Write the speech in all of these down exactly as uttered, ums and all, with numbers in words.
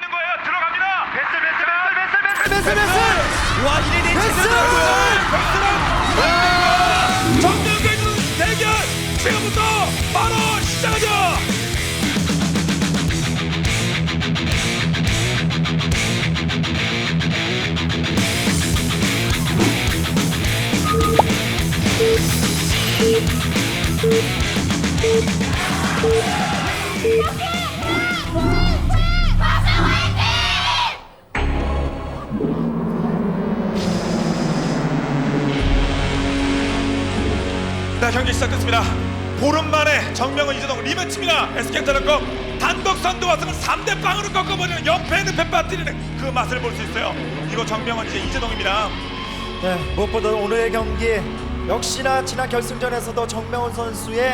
있는 거예요. 들어갑니다. 베슬 베슬 베슬 베슬 베슬 베슬 와 이래 내 베슬 정면계는 대결 지금부터 바로 시작하죠. 네, 경기 시작됐습니다. 보름 만에 정명은 이재동 리매치입니다. 에스케이텔레콤 단독 선두 와승을 삼 대 빵으로 꺾어버리는 연패 늪에 빠뜨리는 그 맛을 볼 수 있어요. 이거 정명은 이제 이재동입니다. 네, 무엇보다 오늘의 경기 역시나 지난 결승전에서도 정명훈 선수의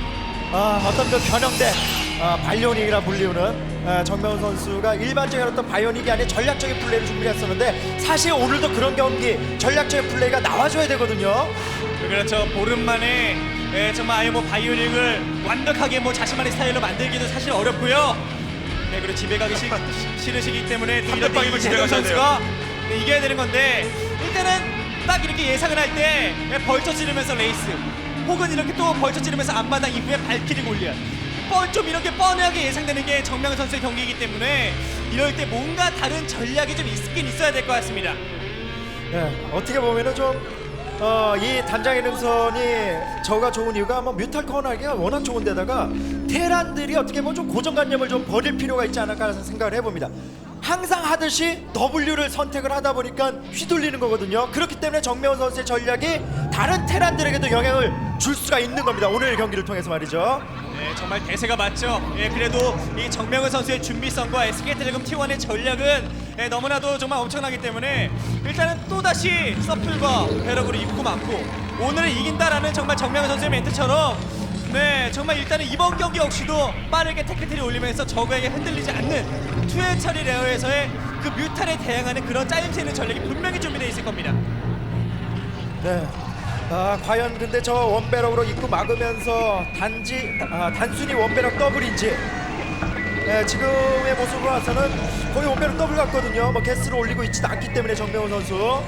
아, 어떤 그 변형된 아, 바이오닉이라 불리우는 아, 정명훈 선수가 일반적인 어떤 바이오닉이 아닌 전략적인 플레이를 준비했었는데 사실 오늘도 그런 경기 전략적인 플레이가 나와줘야 되거든요. 그렇죠. 보름 만에 예, 정말 아예 뭐 바이오닉을 완벽하게 뭐 자신만의 스타일로 만들기도 사실 어렵고요. 네, 그리고 집에 가기 싫, 싫으시기 때문에 또 이런 빵이면 집에 이재동 가셔야 선수가 네, 이겨야 되는 건데 일단은 딱 이렇게 예상을 할 때 벌쳐 찌르면서 레이스 혹은 이렇게 또 벌쳐 찌르면서 앞마당 이후에 발키리 골리앗 뻔좀 이렇게 뻔하게 예상되는 게 정명훈 선수의 경기이기 때문에 이럴 때 뭔가 다른 전략이 좀 있긴 있어야 될 것 같습니다. 네, 어떻게 보면은 좀 어, 이 단장의 능선이 저가 좋은 이유가 뭐 뮤탈 커널하기가 워낙 좋은데다가 테란들이 어떻게 보면 좀 고정관념을 좀 버릴 필요가 있지 않을까 생각을 해봅니다. 항상 하듯이 W를 선택을 하다 보니까 휘둘리는 거거든요. 그렇기 때문에 정명훈 선수의 전략이 다른 테란들에게도 영향을 줄 수가 있는 겁니다. 오늘 경기를 통해서 말이죠. 네, 정말 대세가 맞죠. 예, 그래도 이 정명훈 선수의 준비성과 에스케이텔레콤 티 원의 전략은 예, 너무나도 정말 엄청나기 때문에 일단은 또다시 서플과 배럭으로 입고 맞고 오늘을 이긴다라는 정말 정명훈 선수의 멘트처럼 네, 정말 일단은 이번 경기 역시도 빠르게 태클트리 올리면서 적에게 흔들리지 않는 투회 처리 레어에서의 그 뮤탈에 대항하는 그런 짜임새 있는 전략이 분명히 준비되어 있을 겁니다. 네. 아, 과연 근데 저 원배럭으로 입고 막으면서 단지 아, 단순히 원배럭 더블인지 네, 지금의 모습으로 봐서는 거의 원배럭 더블 같거든요. 뭐 개수를 올리고 있지도 않기 때문에 정명훈 선수.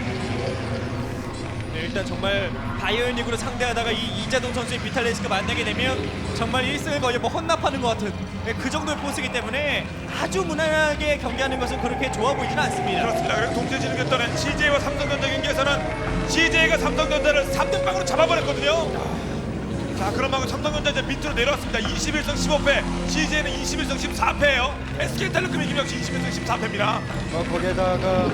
네, 일단 정말 바이오닉으로 상대하다가 이 이재동 선수의 비탈레스가 만나게 되면 정말 일 승을 거의 뭐 헌납하는 것 같은 네, 그 정도의 포스이기 때문에 아주 무난하게 경기하는 것은 그렇게 좋아 보이지는 않습니다. 그렇습니다. 그리고 동체 진흙했던 씨제이와 삼성전자 경기에서는 씨제이가 삼성전자를 삼 대 빵으로 잡아버렸거든요. 자, 그런 만큼 삼성전자 이제 밑으로 내려왔습니다. 이십일 승 십오 패, 씨제이는 이십일 승 십사 패예요. 에스케이텔레콤이 이기면 역시 이십일 승 십사 패입니다. 어, 거기에다가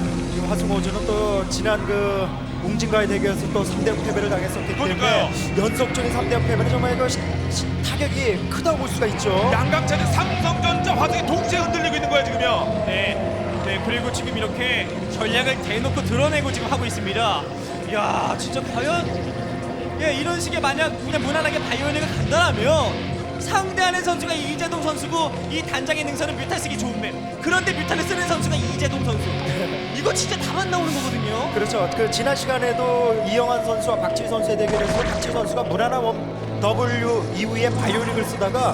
이 화승호주는 또 지난 그 웅진과의 대결에서 또 삼 대 영 패배를 당했었기 그러니까요. 때문에 연속적인 삼 대 영 패배는 정말 이거 시, 시, 타격이 크다고 볼 수가 있죠. 양강차는 삼성전자, 화성이 동시에 흔들리고 있는 거예요 지금요. 네, 네 그리고 지금 이렇게 전략을 대놓고 드러내고 지금 하고 있습니다. 이야, 진짜 과연 예, 이런 식의 만약 그냥 무난하게 바이오닉을 간다라면 상대하는 선수가 이재동 선수고 이 단장의 능선은 뮤탈 쓰기 좋은 맵. 그런데 뮤탈을 쓰는 선수가 이재동 선수. 이거 진짜 답안 나오는 거거든요. 그렇죠. 그 지난 시간에도 이영환 선수와 박지희 선수의 대결에서 박지희 선수가 무난한 원 W 이후에 바이오닉을 쓰다가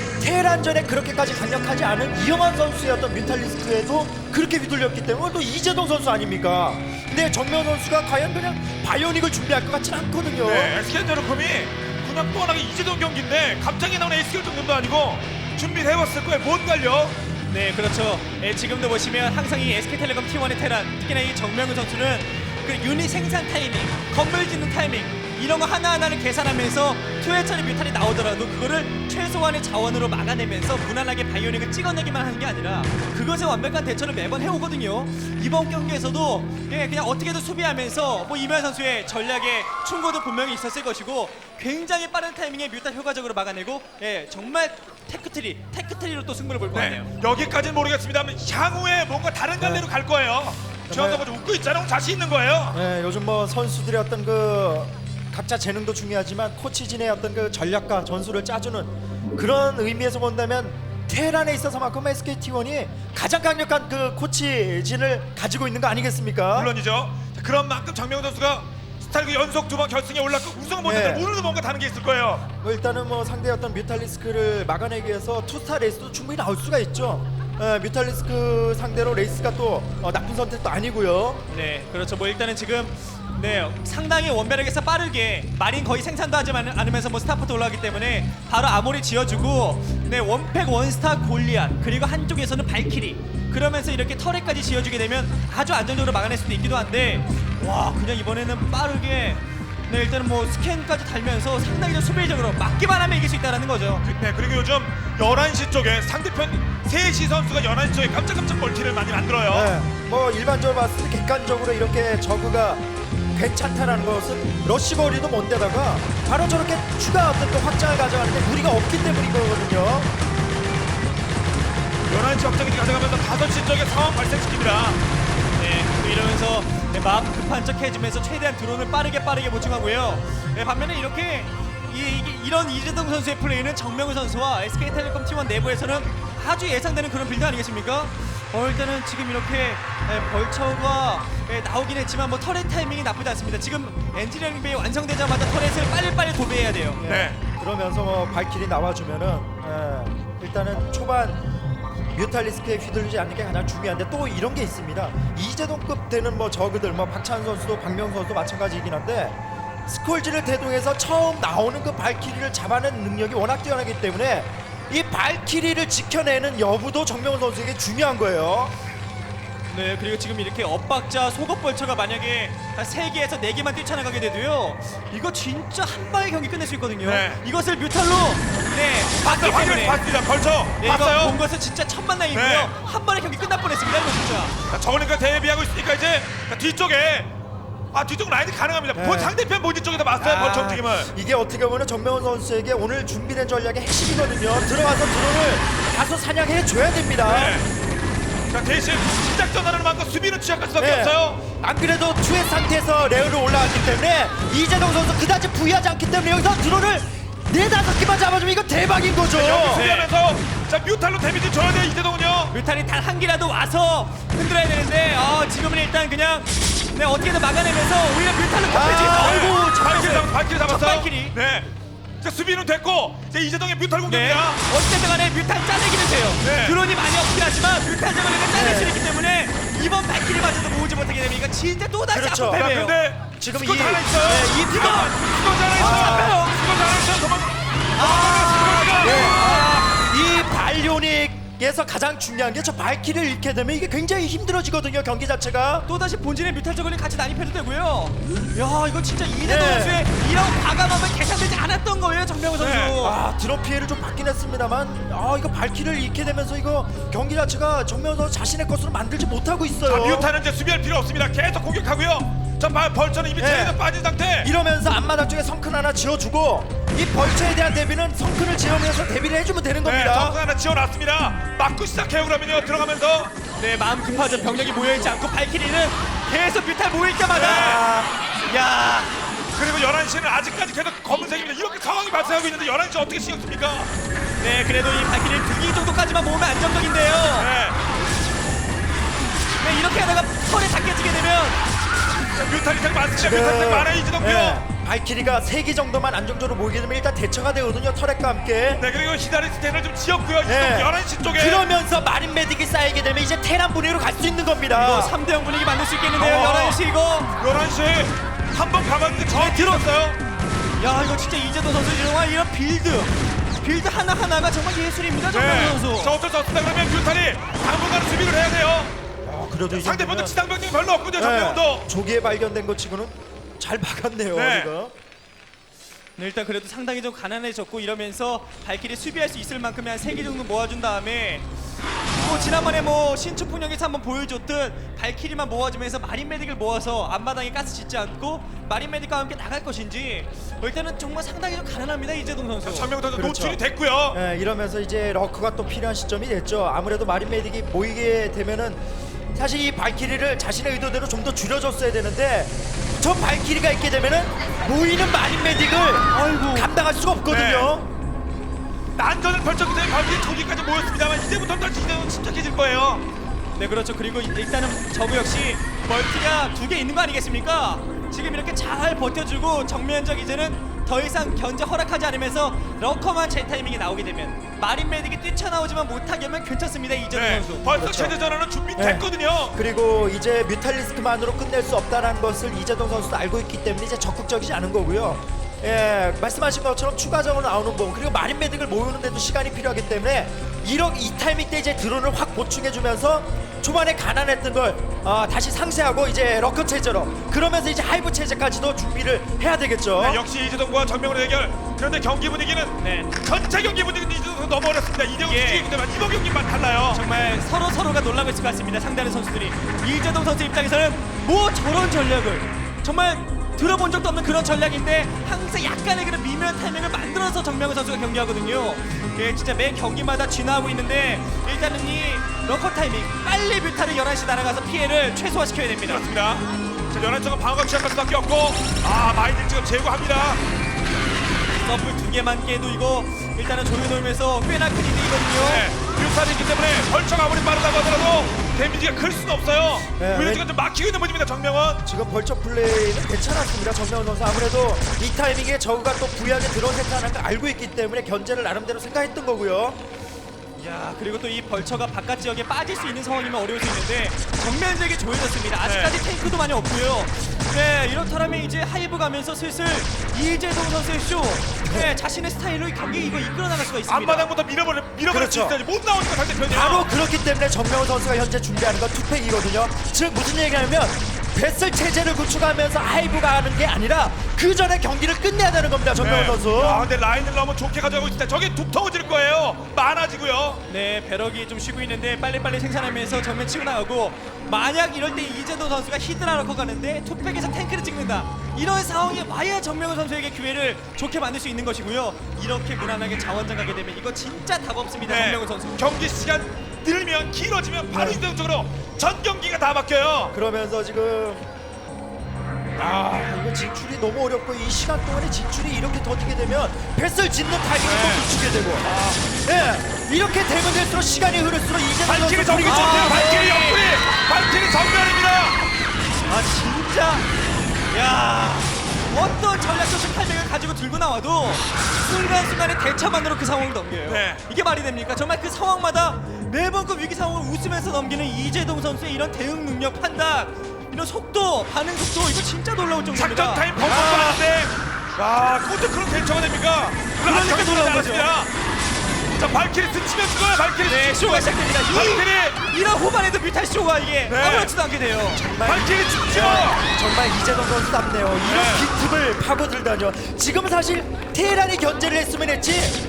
테란전에 그렇게까지 강력하지 않은 이영환 선수의 어떤 뮤탈리스크에도 그렇게 휘둘렸기 때문에 또 이재동 선수 아닙니까? 근데 정명훈 선수가 과연 그냥 바이오닉을 준비할 것 같지는 않거든요. 네, 에스케이텔레콤이 그냥 뻔하게 이재동 경기인데 갑자기 나오는 에스케이 정도도 아니고 준비를 해왔을 거예요. 뭔가요? 네, 그렇죠. 예, 지금도 보시면 항상 이 에스케이텔레콤 티 원의 테란, 특히나 이 정명훈 선수는 그 유닛 생산 타이밍, 건물 짓는 타이밍 이런 거 하나하나를 계산하면서 투회처리 뮤탈이 나오더라도 그거를 최소한의 자원으로 막아내면서 무난하게 바이오닉을 찍어내기만 하는 게 아니라 그것에 완벽한 대처를 매번 해오거든요. 이번 경기에서도 예, 그냥 어떻게든 수비하면서 뭐 이면 선수의 전략에 충고도 분명히 있었을 것이고 굉장히 빠른 타이밍에 뮤탈 효과적으로 막아내고 예, 정말 테크트리, 테크트리로 또 승부를 볼 것 같네요. 네, 여기까지는 모르겠습니다만 향후에 뭔가 다른 갈래로 갈 거예요. 주한도가 좀 웃고 있잖아요. 자신 있는 거예요. 네, 요즘 뭐 선수들의 어떤 그 각자 재능도 중요하지만 코치진의 어떤 그 전략과 전술을 짜주는 그런 의미에서 본다면 테란에 있어서만큼 에스케이티원이 가장 강력한 그 코치진을 가지고 있는 거 아니겠습니까? 물론이죠. 자, 그런 만큼 정명훈 선수가 스타일그 연속 두 번 결승에 올랐고 우승을 못했는데 네. 오늘도 뭔가 다른 게 있을 거예요. 뭐 일단은 뭐 상대의 어떤 뮤탈리스크를 막아내기 위해서 투스타 레이스도 충분히 나올 수가 있죠. 예, 뮤탈리스크 상대로 레이스가 또 어, 나쁜 선택도 아니고요. 네, 그렇죠. 뭐 일단은 지금 네 상당히 원베럭에서 빠르게 마린 거의 생산도 하지 않- 않으면서 뭐 스타포트 올라가기 때문에 바로 아모리 지어주고 네 원팩 원스타 골리앗 그리고 한쪽에서는 발키리 그러면서 이렇게 터렛까지 지어주게 되면 아주 안정적으로 막아낼 수도 있기도 한데 와 그냥 이번에는 빠르게 네 일단은 뭐 스캔까지 달면서 상당히 좀 수비적으로 막기만 하면 이길 수 있다는 거죠. 그, 네, 그리고 요즘 열한 시 쪽에 상대편 세시 선수가 열한 시 쪽에 깜짝깜짝 멀티를 많이 만들어요. 예, 뭐 일반적으로 봤을 때 객관적으로 이렇게 저그가 괜찮다라는 것은 러시 거리도 못 되다가 바로 저렇게 추가 어떤 또 확장을 가져가는데 무리가 없기 때문인 거거든요. 열한 시 확장기 가져가면서 다섯 시 쪽에 상황 발생시킵니다. 네, 또 이러면서 네, 마음 급한 척 해주면서 최대한 드론을 빠르게 빠르게 보충하고요. 네, 반면에 이렇게 이, 이게, 이런 이재동 선수의 플레이는 정명우 선수와 에스케이텔레콤 팀원 내부에서는 아주 예상되는 그런 빌드 아니겠습니까? 어, 일단은 지금 이렇게 네, 벌처가 네, 나오긴 했지만 뭐 터렛 타이밍이 나쁘지 않습니다. 지금 엔지니어링 베이 완성되자마자 터렛을 빨리빨리 도배해야 돼요. 예, 네. 그러면서 뭐 발길이 나와주면은 예, 일단은 초반 뮤탈리스크에 휘둘리지 않는 게 가장 중요한데 또 이런 게 있습니다. 이재동급 되는 뭐 저그들 뭐 박찬 선수도 박명 선수도 마찬가지이긴 한데 스콜지를 대동해서 처음 나오는 그 발키리를 잡아내는 능력이 워낙 뛰어나기 때문에 이 발키리를 지켜내는 여부도 정명훈 선수에게 중요한 거예요. 네, 그리고 지금 이렇게 엇박자 속업 벌처가 만약에 한 세 개에서 네 개만 뛰쳐나가게 돼도요. 이거 진짜 한 방에 경기 끝낼 수 있거든요. 네. 이것을 뮤탈로 네, 봤기 봤어요. 확인을 때문에 봤습니다. 벌쳐 네, 이거 본 봤어요. 것은 진짜 천만다행이고요. 네. 한 번에 경기 끝날 뻔했습니다. 이거 진짜. 자, 저거니까 대비하고 있으니까 이제 자, 뒤쪽에 아 뒤쪽 라인이 가능합니다. 네. 본 상대편 본진 쪽에서 봤어요. 벌쳐 움직임을. 이게 어떻게 보면 정명훈 선수에게 오늘 준비된 전략의 핵심이거든요. 들어가서 드론을 다소 사냥해 줘야 됩니다. 네. 자 대신 시작 전환을 막고 수비는 취약할 수밖에 네. 없어요. 안 그래도 투의 상태에서 레어로 올라왔기 때문에 이재동 선수 그다지 부위하지 않기 때문에 여기서 드론을 네다섯 개만 잡아주면 이거 대박인 거죠. 여기 네. 수비하면서 자 뮤탈로 데미지 줘야 돼요 이재동은요. 뮤탈이 단 한 개라도 와서 흔들어야 되는데 어, 지금은 일단 그냥 네, 어떻게든 막아내면서 오히려 뮤탈로 격해지겠어. 아, 아이고 발키리 잡혔어요. 잡 발키리 잡았어요. 첫 발키리. 네. 자 수비는 됐고 이제 이재동의 뮤탈 네. 공격입니다. 어쨌든 간에 뮤탄 짜내기는 돼요. 네. 드론이 많이 없긴 하지만 뮤탄 저번에는 짜낼 네. 수 있기 때문에 이번 발키리마저도 모으지 못하게 되면 이거 진짜 또다시 그렇죠. 아픈 자 패배예요. 근데 지금 스쿼트 이- 하나 있어요. 네, 이 이거 피가- 스쿼트 하나 있어요. 잡혀요. 스쿼트 하나 있어요. 도망. 아, 네. 아, 이 발요닉에서 가장 중요한 게 저 발키를 잃게 되면 이게 굉장히 힘들어지거든요. 경기 자체가. 또다시 본진의 뮤탄 저글링 같이 난입해도 되고요. 야 이거 진짜 이대동 네. 선수의 이런 과감함은 계산되지 않았던 거예요. 정명우 선수. 네. 아 드론 피해를 좀 받긴 했습니다만 아 이거 발키를 잃게 되면서 이거 경기 자체가 정면 선수 자신의 것으로 만들지 못하고 있어요. 자 뮤탈은 이제 수비할 필요 없습니다. 계속 공격하고요. 자 발- 벌처는 이미 네. 체에서 빠진 상태. 이러면서 앞마당 쪽에 성큰 하나 지어주고 이 벌처에 대한 대비는 성큰을 지으면서 대비를 해주면 되는 네, 겁니다. 정크 하나 지어놨습니다. 맞고 시작해요 그러면요. 들어가면서 네 마음 급하죠. 병력이 모여있지 않고 발키리는 계속 뮤탄 모일 때마다. 아, 야. 그리고 열한 시는 아직까지 계속 검은색입니다. 이렇게 상황이 발생하고 있는데 열한 시 어떻게 신경 씁니까? 네 그래도 이 발키리를 두 개 정도까지만 모으면 안정적인데요. 네. 네 이렇게 하다가 털에 다 깨지게 되면 자, 뮤탈이 많습니다. 뮤탈이 많아요 이재동요. 네, 발키리가 세 개 정도만 안정적으로 모이게 되면 일단 대처가 되거든요. 터렛과 함께. 네 그리고 히다리 스탠을 좀 지었고요. 이재동 네. 열한 시 쪽에. 그러면서 마린 메딕이 쌓이게 되면 이제 테란 분위기로 갈 수 있는 겁니다. 이거 삼 대 영 분위기 만들 수 있겠는데요. 어. 열한 시 이거. 열한 시 한 번 가봤는데 저 네, 들어- 들었어요. 야 이거 진짜 이재동 선수 정말 이런 빌드 빌드 하나 하나가 정말 예술입니다. 정명훈 네. 선수. 자 어쩔 수 없습니다. 그러면 뮤탈이 당분간 수비를 해야 돼요. 아, 그래도 이 상대편도 정도면- 지상병력이 별로 없거든요. 네, 정명훈도. 조기에 발견된 것 치고는 잘 막았네요. 네. 이거. 네, 일단 그래도 상당히 좀 가난해졌고 이러면서 발키리 수비할 수 있을 만큼의 한 세 개 정도 모아준 다음에 뭐 지난번에 뭐 신축풍령에서 한번 보여줬듯 발키리만 모아주면서 마린 메딕을 모아서 앞마당에 가스 짓지 않고 마린 메딕과 함께 나갈 것인지 어, 일단은 정말 상당히 좀 가난합니다 이재동 선수. 정명훈 선수 그렇죠. 노출이 됐고요. 네, 이러면서 이제 러크가 또 필요한 시점이 됐죠. 아무래도 마린 메딕이 모이게 되면은 사실 이 발키리를 자신의 의도대로 좀 더 줄여줬어야 되는데 저 발키리가 있게 되면은 모이는 마린 메딕을 아이고. 감당할 수가 없거든요. 난전을 펼쳤기 때문에 발키리 두 개까지 모였습니다만 이제부터 다시 이재동 침착해질 거예요. 네 그렇죠. 그리고 일단은 저그 역시 멀티가 두 개 있는 거 아니겠습니까? 지금 이렇게 잘 버텨주고 정면적 이제는 더 이상 견제 허락하지 않으면서 러커만 제 타이밍에 나오게 되면 마린 메딕이 뛰쳐나오지만 못하게 하면 괜찮습니다. 이재동 네, 선수. 벌써 그렇죠. 체제 전환은 준비됐거든요. 그리고 이제 뮤탈리스트만으로 끝낼 수 없다는 것을 이재동 선수도 알고 있기 때문에 이제 적극적이지 않은 거고요. 예, 말씀하신 것처럼 추가적으로 나오는 부분 그리고 마린 메딕을 모으는데도 시간이 필요하기 때문에 이런 이 타이밍 때 이제 드론을 확 보충해주면서 초반에 가난했던 걸 어, 다시 상쇄하고 이제 러커 체제로 그러면서 이제 하이브 체제까지도 준비를 해야 되겠죠. 네, 역시 이재동과 정명훈의 대결. 그런데 경기 분위기는 네. 전체 경기 분위기는 이재동 선수 너무 어렵습니다. 이재동 예. 수직이기 때문에 이번 경기만 달라요. 정말 서로 서로가 놀라고 있을 것 같습니다. 상대하는 선수들이 이재동 선수 입장에서는 뭐 저런 전략을 정말 들어본 적도 없는 그런 전략인데 항상 약간의 그런 미묘한 타이밍을 만들어서 정명훈 선수가 경기하거든요. 예, 진짜 매 경기마다 진화하고 있는데 일단은 이 러커 타이밍 빨리 뮤타를 열한 시 날아가서 피해를 최소화시켜야 됩니다. 그렇습니다. 자, 연한 쪽은 방어가 취약할 수밖에 없고, 아, 마인드 지금 제거합니다. 서플 두 개만 깨도 이거 일단은 조여놓으면서 꽤나 큰 이득이거든요. 네, 뮤탈이 있기 때문에 벌처가 아무리 빠르다고 하더라도 데미지가 클 수는 없어요. 네, 오히려 왜- 지금 좀 막히고 있는 모습입니다, 정명훈. 지금 벌처 플레이는 괜찮았습니다. 정명훈 선수 아무래도 이 타이밍에 저우가 또 부유하게 드론 세트하는 걸 알고 있기 때문에 견제를 나름대로 생각했던 거고요. 야 그리고 또 이 벌처가 바깥 지역에 빠질 수 있는 상황이면 어려울 수 있는데 정면적이 조여졌습니다. 아직까지 네. 탱크도 많이 없고요. 네 이렇다면 이제 하이브 가면서 슬슬 이재동 선수의 쇼 네, 자신의 스타일로 이 경기 이거 이끌어 나갈 수가 있습니다. 앞마당부터 밀어버려, 밀어버릴 수 그렇죠. 있어야지. 못 나오니까 상대편이요. 바로 그렇기 때문에 정명훈 선수가 현재 준비하는 건 투팩이거든요. 즉 무슨 얘기냐면 배슬 체제를 구축하면서 하이브가 하는 게 아니라 그 전에 경기를 끝내야 되는 겁니다. 정명훈 선수. 아, 근데 라인을 너무 좋게 가져가고 있다. 저게 두터워질 거예요. 많아지고요. 네 배럭이 좀 쉬고 있는데 빨리빨리 생산하면서 정면 치고 나가고 만약 이럴 때 이재동 선수가 히드라 넣고 가는데 투팩에서 탱크를 찍는다 이런 상황에 와야 정명훈 선수에게 기회를 좋게 만들 수 있는 것이고요. 이렇게 무난하게 자원장 가게 되면 이거 진짜 답 없습니다. 정명훈 선수. 경기 시간 늘면 길어지면 바로 네. 이동적으로 전 경기가 다 바뀌어요. 그러면서 지금 아 이거 진출이 너무 어렵고 이 시간 동안에 진출이 이렇게 더디게 되면 배슬 짓는 타이밍을 네. 또 놓치게 되고 예 이렇게 되면 될수록 시간이 흐를수록 이재동 발키리 선수 정리 분위기 좋대요. 좋대요. 발키리 옆구리. 발키리 정면입니다. 아 진짜 야 어떤 전략적 팔백을 가지고 들고 나와도 순간순간에 대처만으로 그 상황을 넘겨요. 네. 이게 말이 됩니까? 정말 그 상황마다 매번 그 위기 상황을 웃으면서 넘기는 이재동 선수의 이런 대응 능력, 판단, 이런 속도, 반응 속도 이거 진짜 놀라울 정도입니다. 작전 타임 펑펑 하는데 아, 그것도 그런 대처가 됩니까? 그러니까 놀라운 거죠. 자, 발키리 스치면 죽어요. 발키리 네, 스치면 쇼가 시작됩니다. 이, 발키리 이런 후반에도 뮤탈 쇼가 이게 네. 아무렇지도 않게 돼요. 발키리 죽죠. 정말 이재동 선수답네요. 이런 네. 빈틈을 파고들다뇨. 지금 사실 테란이 견제를 했으면 했지.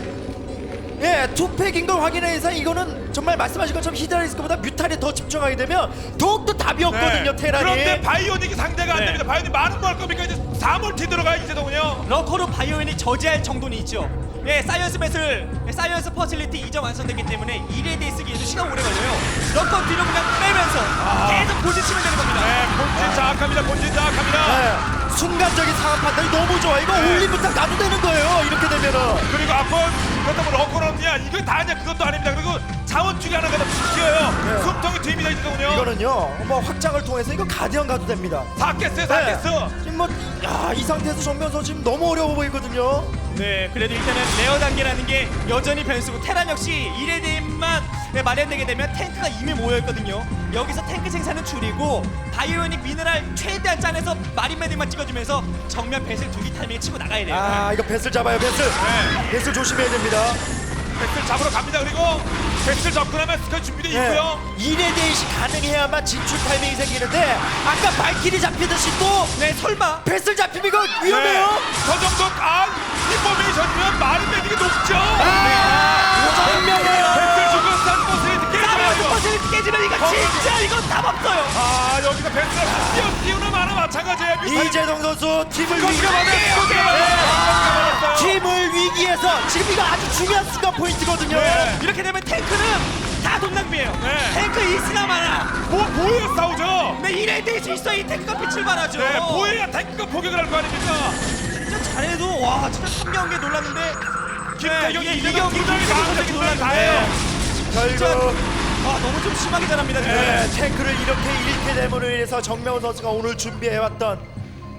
예, 투팩인 걸 확인해서 이거는 정말 말씀하신 것처럼 히드라리스크보다 뮤탈에 더 집중하게 되면 더욱더 답이 없거든요. 테란이. 그런데 바이오닉이 상대가 안 네. 됩니다. 바이오닉 많은 거 할 겁니까? 이제 사 몰티 들어가요, 이재동은요. 러커로 바이오인이 저지할 정도는 있죠. 예, 사이언스 배슬, 예, 사이언스 퍼실리티 이전 완성됐기 때문에 일에 대해 쓰기에도 시간 오래 걸려요. 러커 뒤로 그냥 빼면서 계속 고지치면 되는 겁니다. 네, 본진 장악합니다. 본진 장악합니다. 예, 순간적인 상황 판단이 너무 좋아. 이거 네. 올리부터 가도 되는 거예요. 이렇게 되면은. 그리고 앞번 그렇다고 러커런이야 이거 다 아니야. 그것도 아닙니다. 그리고 자원 중에 하나가 더 튀어요. 네. 숨통이 뒤입니다, 이재동은요. 이거는요. 뭐 확장을 통해서 이거 가디언 가도 됩니다. 다 깼어요, 다 네. 깼어. 지금 뭐, 야, 이 상태에서 정면서 지금 너무 어려워 보이거든요. 네, 그래도 일단은 레어 단계라는 게 여전히 변수고 테란 역시 일에 대해만 네, 마련되게 되면 탱크가 이미 모여있거든요. 여기서 탱크 생산은 줄이고 바이오닉 미네랄 최대한 짜내서 마린 메딕만 찍어주면서 정면 배슬 두기 타이밍에 치고 나가야 돼요. 아, 이거 배슬 잡아요, 배슬. 네. 배슬 조심해야 됩니다. 백슬 잡으러 갑니다. 그리고 백슬 접근하면 스컬 준비되어 예, 있고요. 일에 대시 가능해야만 진출 타이밍이 생기는데 아까 발길이 잡히듯이 또 네, 설마 배슬 잡히면 이거 위험해요. 네. 저 정도 아 인포메이션이면 마린 메딕이 높죠. 아, 정명해요. 백슬 죽은 산포스리 사이언스 깨져야죠. 퍼실리티 깨지면 이거 진짜 이거 답 없어요. 아, 여기서 백슬 뛰어 뛰어는 많아 마찬가지예요. 이재동 선수 팀을 위기, 스코트가 맞아요. 스코트가 맞아요. 팀을 위기에서 지금 이거 아주 중요한 순간 포인트거든요. 네. 이렇게 되면 탱크는 다 돈낭비예요. 네. 탱크 있으나 마나. 뭐 보여야 싸우죠. 네, 이래 될수 있어. 이 탱크가 빛을 발하죠. 네, 보여야 탱크가 포격을 할 거 아닙니까? 진짜 잘해도 와 진짜 삼 경기에 놀랐는데 김태경이 네, 이제 이 경기 분명히 김태경 나오는데 선수가 분명히 놀랐는데 다예요. 결국 아 너무 좀 심하게 잘합니다 지금. 네, 탱크를 이렇게 잃게 됨으로 인해서 정명훈 선수가 오늘 준비해왔던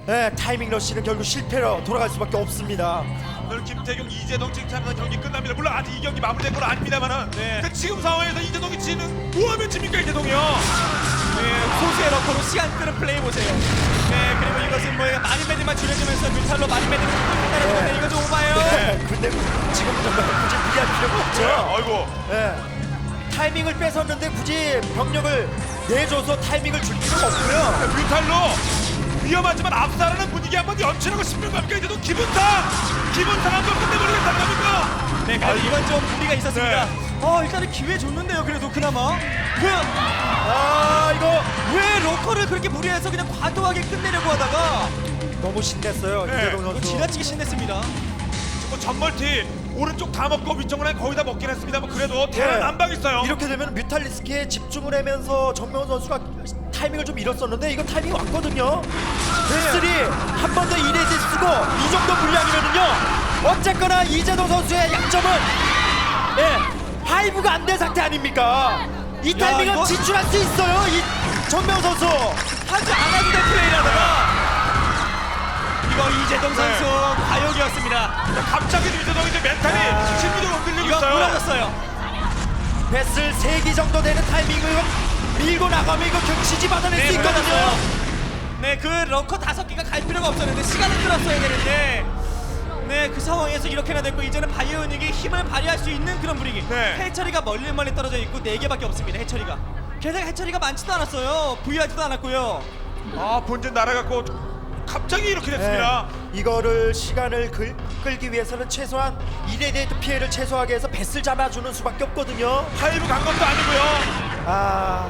예, 타이밍 러시는 결국 실패로 돌아갈 수밖에 없습니다. 오늘 김태경, 이재동 칭찬하는 경기 끝납니다. 물론 아직 이 경기 마무리된 건 아닙니다만은 네. 그 지금 상황에서 이재동이 지는 뭐하면 집니까 이재동이요? 네, 소수의 러커로 시간 끄는 플레이 보세요. 네, 그리고 이것은 뭐 마린메디만 줄여주면서 뮤탈로 마린메디를 끝낸다는 네. 건데 이거 좀 오바예요. 네, 근데 지금 정말 굳이 무리할 필요가 없죠. 네, 아이고. 예, 타이밍을 뺏었는데 굳이 병력을 내줘서 타이밍을 줄 필요가 없고요. 뮤탈로 위험하지만 압살하는 분위기 한번 연출하고 싶은 겁니까? 이제도 기분상 기분상 한번 끝내버리겠다는 겁니까? 네, 그래도 이건 좀 무리가 있었습니다. 네. 어, 일단은 기회 줬는데요. 그래도 그나마 왜, 아, 이거 왜 러커를 그렇게 무리해서 그냥 과도하게 끝내려고 하다가 너무 신났어요. 네, 이재동 이거 선수. 지나치게 신냈습니다. 뭐 전멀티 오른쪽 다 먹고 위쪽은 거의 다 먹긴 했습니다만 그래도 대란 네. 안방 있어요. 이렇게 되면 뮤탈리스크에 집중을 하면서 정명훈 선수가 타이밍을 좀 잃었었는데 이거 타이밍이 왔거든요. 베슬이 한 번 더 이레디 쓰고 이 정도 물량이면은요. 어쨌거나 이재동 선수의 약점은 예, 하이브가 안 된 상태 아닙니까? 이 야, 타이밍은 이거- 지출할 수 있어요. 이 정명훈 선수. 하지 않아도 될 플레이라다가 이거 이재동 선수 네. 과욕이었습니다. 갑자기 이재동이 이제 멘탈이 아. 심리적으로 흔들리고 이거 있어요. 무너졌어요. 베슬 세 기 정도 되는 타이밍을 밀고 나가면 이거 결국 지지 받아낼 네, 수 있거든요. 무너졌어요. 네, 그 러커 다섯 개가 갈 필요가 없었는데 시간을 끌었어야 되는데 네, 그 상황에서 이렇게나 됐고 이제는 바이오닉이 힘을 발휘할 수 있는 그런 분위기. 네. 해처리가 멀리 멀리 떨어져 있고 네 개밖에 없습니다. 해처리가. 게다가 해처리가 많지도 않았어요. 부유하지도 않았고요. 아 본진 날아갔고 갑자기 이렇게 됐습니다. 네, 이거를 시간을 끌, 끌기 위해서는 최소한 이레디에이트 피해를 최소하게 해서 배슬 잡아주는 수밖에 없거든요. 하이브 간 것도 아니고요. 아,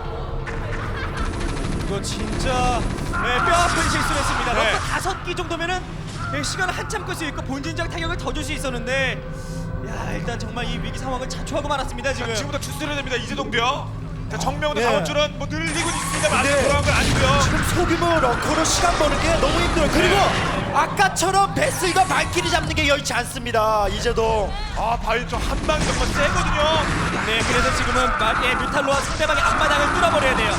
이거 진짜 네, 뼈아픈 실수를 했습니다. 네. 러커 다섯 기 정도면은 네, 시간을 한참 끌 수 있고 본진적 타격을 더 줄 수 있었는데 야, 일단 정말 이 위기 상황을 자초하고 말았습니다. 자, 지금. 지금부터 추스려야 됩니다. 이재동도요. 자, 정명훈의 네. 자원줄은 뭐 늘리고 있습니다만 아직 네. 돌아온 건 아니고요. 지금 소규모 러커로 시간 버는 게 너무 힘들어요. 그리고 아까처럼 배슬과 발키리 잡는 게 여의치 않습니다. 이제도. 아 바이 좀한 방이 정말 세거든요. 네, 그래서 지금은 마- 예, 뮤탈로와 상대방의 앞마당을 뚫어버려야 돼요.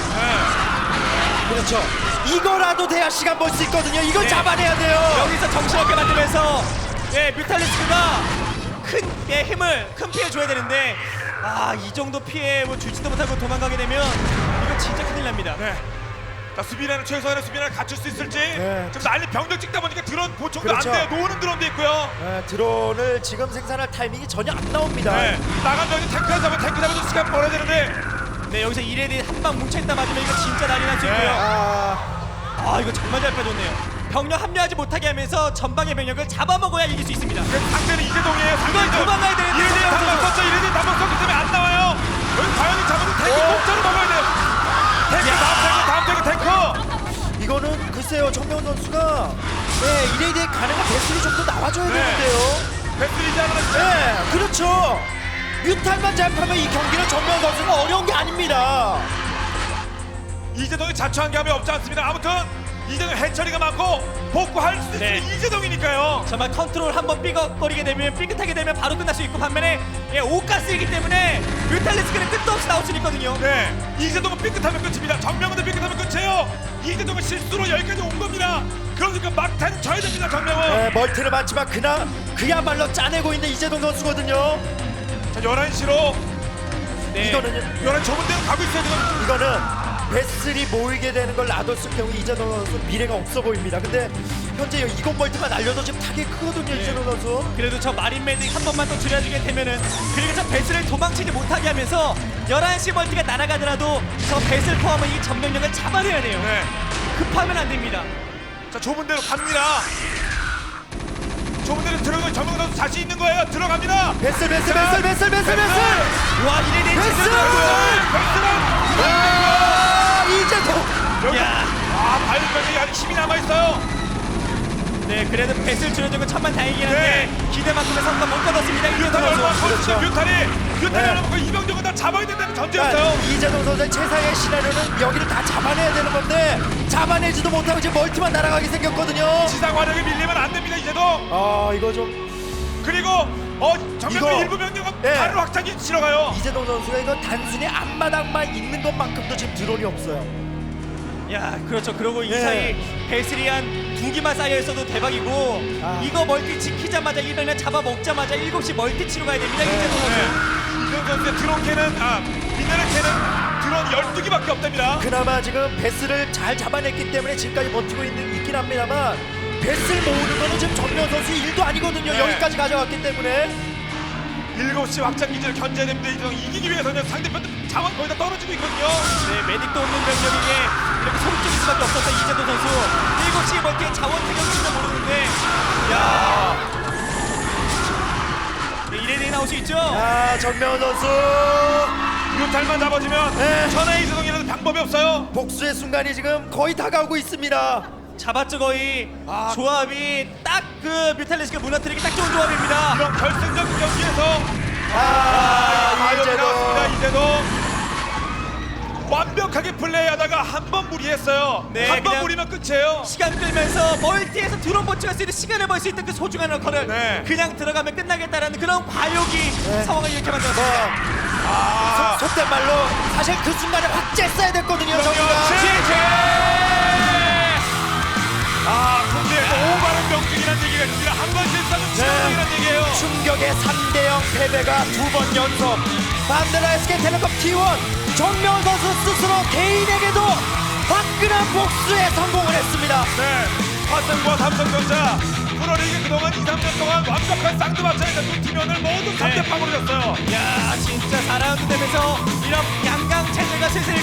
네. 그렇죠. 이거라도 돼야 시간 벌 수 있거든요. 이걸 네. 잡아내야 돼요. 여기서 정신없게 만들면서 예, 뮤탈리스크가 큰 예, 힘을 큰 피해 줘야 되는데 아, 이 정도 피해 뭐 주지도 못하고 도망가게 되면 이거 진짜 큰일 납니다. 네. 자 수비라는 최소한의 수비를 갖출 수 있을지. 네. 지금 난리 병력 찍다 보니까 드론 보충도 그렇죠. 안 돼요. 노는 드론도 있고요. 네, 드론을 지금 생산할 타이밍이 전혀 안 나옵니다. 네. 나간 병이 탱크 잡아 탱크 잡아도 시간 벌어야 되는데. 네, 여기서 이레디 한 방 뭉쳐있다 맞으면 이거 진짜 난리 날 수 네. 있고요. 아, 아, 이거 정말 잘 빼줬네요. 병력 합류하지 못하게 하면서 전방의 병력을 잡아먹어야 이길 수 있습니다. 그 상대는 이재동이에요. 이걸 도망가야 되는데 이래디 이재동 단방 선수. 썼죠. 이래디 단방 썼기 때문에 안 나와요. 여기 과연이 잡아도 탱크 어? 공짜로 먹어야 돼요. 탱크 야. 다음 탱크 다음 탱크 탱크. 이거는 글쎄요. 정명훈 선수가 네, 이레디에 가능한 배슬이 좀 더 나와줘야 네. 되는데요. 배틀이지 않으면 네, 그렇죠. 뮤탈만 잡하면 이 경기는 정명훈 선수가 어려운 게 아닙니다. 이재동이 자초한 게 없지 않습니다. 아무튼 이재동 해처리가 많고 복구할 수 있는 네. 이재동이니까요. 정말 컨트롤 한번 삐걱거리게 되면 삐끗하게 되면 바로 끝날 수 있고 반면에 예, 오가스이기 때문에 뮤탈리스크는 끝도 없이 나올 수 있거든요. 네, 이재동은 삐끗하면 끝입니다. 정명훈도 삐끗하면 끝이에요. 이재동은 실수로 여기까지 온 겁니다. 그러니까 막타는 져야 됩니다. 정명훈. 네, 멀티를 많지만 그나 그야말로 짜내고 있는 이재동 선수거든요. 자, 열한 시로 네. 이거는요. 열한 좁은 데로 가고 있어요. 지금. 이거는 배슬이 모이게 되는 걸 놔뒀을 경우 이재동 선수 미래가 없어 보입니다. 근데 현재 이건 멀티만 날려도 지금 타격이 크거든요. 네. 이재동 선수. 그래도 저 마린 메딕 한 번만 더 줄여주게 되면은 그리고 저 배슬을 도망치지 못하게 하면서 열한 시 멀티가 날아가더라도 저 배슬 포함은 이 전병력을 잡아내야 돼요. 네. 급하면 안 됩니다. 자, 좁은 데로 갑니다. 좁은 데로 들어가면 정명훈 선수 자신 있는 거예요. 들어갑니다. 배슬 배슬 배슬 배슬 배슬 배슬. 와, 이래대 배슬! 제대로 아, 이재동. 여기. 야. 아, 바이오병이 아직 힘이 남아 있어요. 네, 그래도 배슬 줄여준 건 천만 다행이긴 한데 네. 기대만큼의 성과 못 거뒀습니다. 이해동 뮤탈이 얼마나 선수. 커지죠. 그렇죠. 뮤탈이 뮤탈이 네. 하려면 그 이병정은 다 잡아야 된다는 전제였어요. 그러니까 이재동 선수의 최상의 시나리오는 여기를 다 잡아내야 되는 건데 잡아내지도 못하고 지금 멀티만 날아가게 생겼거든요. 지상 화력에 밀리면 안 됩니다. 이제도. 아, 이거 좀 그리고 어 이거. 정명훈 일부 병력은 네. 바로 확장기 치러 가요. 이재동 선수가 이거 단순히 앞마당만 있는 것만큼도 지금 드론이 없어요. 야, 그렇죠. 그러고 이 네. 사이 베슬이 한 두 개만 쌓여 있어도 대박이고 아. 이거 멀티 지키자마자 이번에 잡아 먹자마자 일곱 시 멀티 치러 가야 됩니다. 이재동 선수. 네. 이재동 선수의 드론 캐는 아 미네랄 캐는 드론 열두 개밖에 없답니다. 그나마 지금 베스를 잘 잡아냈기 때문에 지금까지 버티고 있는, 있긴 합니다만 베스를 모으는 거는 지금 정면 선수 일도 아니거든요. 네. 여기까지 가져갔기 때문에. 일곱 시 확장 기지를 견제해야 됩니다. 이재동 이기기 위해서는 상대편 자원 거의 다 떨어지고 있거든요. 네, 메딕도 없는 병력에게 이렇게 소리 질 수밖에 없었던 이재동 선수. 일곱 시 멀티에 자원 태경치도 모르는데 야. 네, 이레디 나올 수 있죠? 아, 정면 선수 뮤탈만 잡아주면 네. 천하의 이재동이라는 방법이 없어요. 복수의 순간이 지금 거의 다가오고 있습니다. 잡았죠 거의. 아. 조합이 딱 그 뮤탈리스크 무너뜨리기 딱 좋은 조합입니다. 이런 결승전 경기에서 아, 아, 여기 나왔습니다. 이제도 이재동 완벽하게 플레이하다가 한 번 무리했어요. 네, 한 번 그냥- 무리면 끝이에요. 시간 끌면서 멀티에서 드론 버티할 수 있는 시간을 벌 수 있던 그 소중한 러커를 네. 그냥 들어가면 끝나겠다라는 그런 과욕이 네. 상황을 이렇게 만들었습니다. 아, 속, 속된 말로 사실 그 순간에 확 쬐어야 됐거든요. 저기가. 지지! 아, 근데 오바른 명중이라는 얘기가 있습니다. 한 번 실수하면 치명적이라는 얘기예요. 충격의 삼 대 영 패배가 두 번 연속. 반대로 에스케이텔레콤 티 원 정면 선수 스스로 개인에게도 화끈한 복수에 성공을 했습니다. 네, 화성과 삼성전자 프로리그 그동안 이, 삼 년 동안 완벽한 쌍두마차에서 두 팀원을 모두 삼 대 빵으로 졌어요. 야, 진짜 사 라운드 되면서 이런 양강 체제가 슬슬